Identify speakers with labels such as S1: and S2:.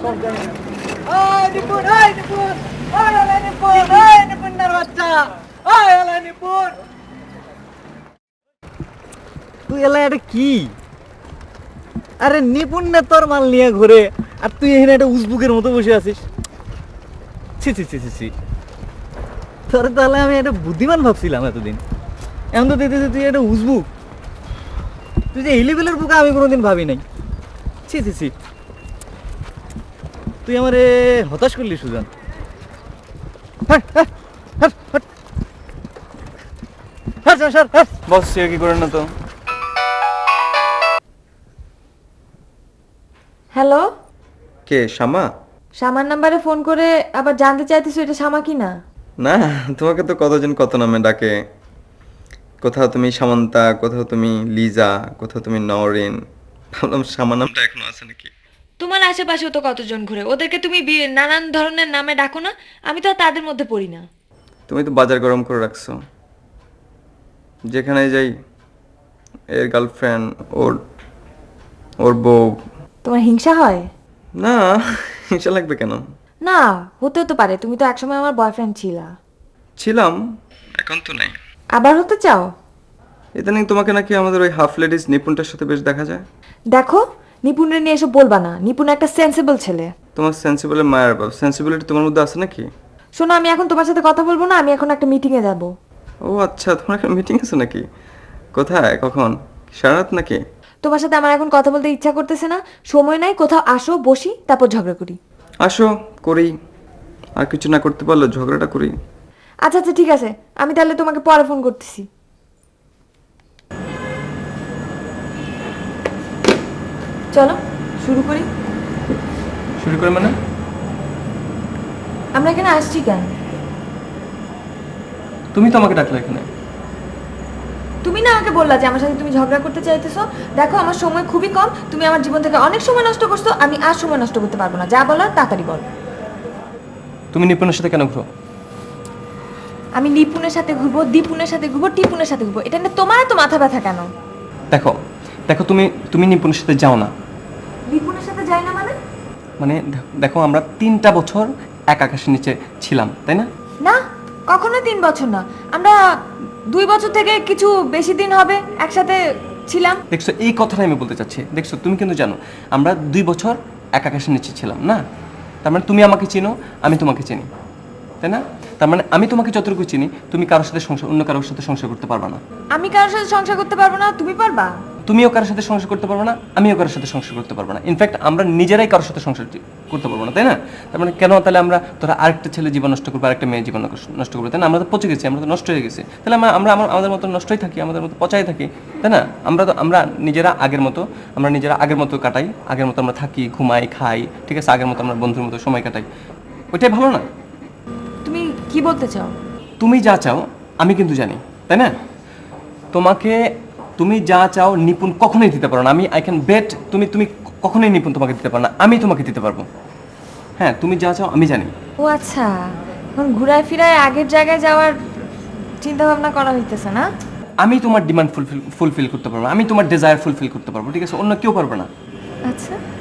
S1: ওই নিপুণ, ওই নিপুণ, ওই হলো নিপুণ, ওই নিপুণের বাচ্চা, ওই হলো নিপুণ।
S2: তুই এলা এটা কি? আরে নিপুণ না তোর মাল নিয়ে ঘুরে, আর তুই এখানে একটা উজবুকের মতো বসে আছিস। ছি ছি ছি ছি ছি, তোর তাহলে আমি একটা বুদ্ধিমান ভাবছিলাম এতদিন, এখন তো দেখতেছি তুই একটা উজবুক। তুই যে এই লেভেলের বুক আমি কোনোদিন ভাবি নাই। ছি ছি ছি, তুই আমারে হতাশ করলি সুজন। বস সে কি করেন না তো।
S3: হ্যালো,
S4: কে শামা?
S3: শামার নাম্বারে ফোন করে আবার জানতে চাইতেছো এটা শামা কি না?
S4: না, তোমাকে তো কতজন কত নামে ডাকে। কোথাও তুমি সামান্তা, কোথাও তুমি লিজা, কোথাও তুমি নওরিন। ভাবলাম শামা নামটা এখনো আছে নাকি।
S3: তোমার আশেপাশেও তো কতজন ঘুরে, ওদেরকে তুমি নানান ধরনের নামে ডাকো না? আমি তো আর তাদের মধ্যে পড়ি না।
S4: তুমি তো বাজার গরম করে রাখছো। যেখানে যাই এর গার্লফ্রেন্ড, ওর ওর বউ।
S3: তোমার হিংসা হয়?
S4: না, হিংসা লাগবে কেন?
S3: না, হতেও তো পারে, তুমি তো একসময় আমার বয়ফ্রেন্ড ছিলা।
S4: ছিলাম, এখন তো নাই।
S3: আবার হতে চাও?
S4: ইদানিং তোমাকে নাকি আমাদের ওই হাফ লেডিস নিপুণটার সাথে বেশ দেখা যায়।
S3: দেখো, নিপুণের নিয়ে এসব বলবা না। নিপুণ একটা সেন্সিবল ছেলে।
S4: তোমার সেন্সিবলের মায়ের বাপ, সেন্সিবিলিটি তোমার মধ্যে আছে নাকি?
S3: শোনো, আমি এখন তোমার সাথে কথা বলবো না, আমি এখন একটা মিটিংয়ে যাব।
S4: ও আচ্ছা, তোমার একটা মিটিং আছে নাকি? কোথায়, কখন? সারা রাত নাকি?
S3: তোমার সাথে আমার এখন কথা বলতে ইচ্ছা করতেছে না, সময় নাই। কোথাও আসো, বসি, তারপর ঝগড়া করি।
S4: আসো, করি। আর কিছু না করতে পারলে ঝগড়াটা করি।
S3: আচ্ছা আচ্ছা, ঠিক আছে, আমি তাহলে তোমাকে পরে ফোন করতেছি। চলো শুরু করি।
S4: শুরু করে মানে?
S3: আমরা এখানে আসছি কেন?
S4: তুমি তো আমাকে ডাকলে এখানে।
S3: তুমি না আমাকে বললা যে আমার সাথে তুমি ঝগড়া করতে চাইতেছো। দেখো, আমার সময় খুবই কম, তুমি আমার জীবন থেকে অনেক সময় নষ্ট করছো, আমি আর সময় নষ্ট করতে পারবো না। যা বলার তাড়াতাড়ি বল।
S4: তুমি নিপুণের সাথে কেন ঘুরো?
S3: আমি নিপুণের সাথে ঘুরবো, দীপুনের সাথে ঘুরবো, টিপুনের সাথে ঘুরবো, এটা নিয়ে তোমার এত মাথা ব্যথা কেন?
S4: দেখো দেখো, তুমি তুমি নিপুণের সাথে যাও না।
S3: দীপুনের সাথে যাই না মানে?
S4: মানে দেখো, আমরা 3টা বছর এক আকাশের নিচে ছিলাম, তাই না?
S3: না, কখনো 3 বছর না, আমরা 2 বছর থেকে কিছু বেশি দিন হবে একসাথে ছিলাম।
S4: দেখছো, এই কথাটাই আমি বলতে চাচ্ছি। দেখছো, তুমি কিন্তু জানো আমরা 2 বছর এক আকাশের নিচে ছিলাম না। তার মানে তুমি আমাকে চিনো, আমি তোমাকে চিনি, তাই না? তার মানে আমি তোমাকে যতটুকু চিনি, তুমি কারোর সাথে সংসার, অন্য কারোর সাথে সংসার করতে পারবা না।
S3: আমি কারোর সাথে সংসার করতে পারবো না, তুমি পারবা?
S4: তুমিও কারোর সাথে সংসার করতে পারবে না, আমিও কারোর সাথে সংসার করতে পারবো না। ইনফ্যাক্ট আমরা নিজেরাই কারোর সাথে সংসার করতে পারবো না, তাই না? তার মানে কেন তাহলে আমরা তোরা আরেকটা ছেলে জীবন নষ্ট করবো, আরেকটা মেয়ের জীবন নষ্ট করবো, তাই না? আমরা তো পচে গেছি, আমরা তো নষ্ট হয়ে গেছি। তাহলে আমাদের মতো নষ্টই থাকি, আমাদের মতো পচাই থাকি, তাই না? আমরা নিজেরা আগের মতো কাটাই, আগের মতো আমরা থাকি, ঘুমাই, খাই, ঠিক আছে? আগের মতো আমরা বন্ধুর মতো সময় কাটাই। ওইটাই ভালো না?
S3: তুমি কি বলতে চাও?
S4: তুমি যা চাও আমি কিন্তু জানি, তাই না? তুমি যা চাও নিপুণ কখনোই দিতে পারো না। আই ক্যান বেট, তুমি কখনোই নিপুণ তোমাকে দিতে পারো না, আমি তোমাকে দিতে পারবো। হ্যাঁ, তুমি যা চাও আমি জানি।
S3: ও আচ্ছা, এখন ঘুরায় ফিরায় আগের জায়গায় যাওয়ার চিন্তা ভাবনা করা হইতেছে না?
S4: আমি তোমার ডিমান্ড ফুলফিল করতে পারবো, আমি তোমার ডিজায়ার ফুলফিল করতে পারবো, ঠিক আছে? অন্য কেউ পারবে না।
S3: আচ্ছা,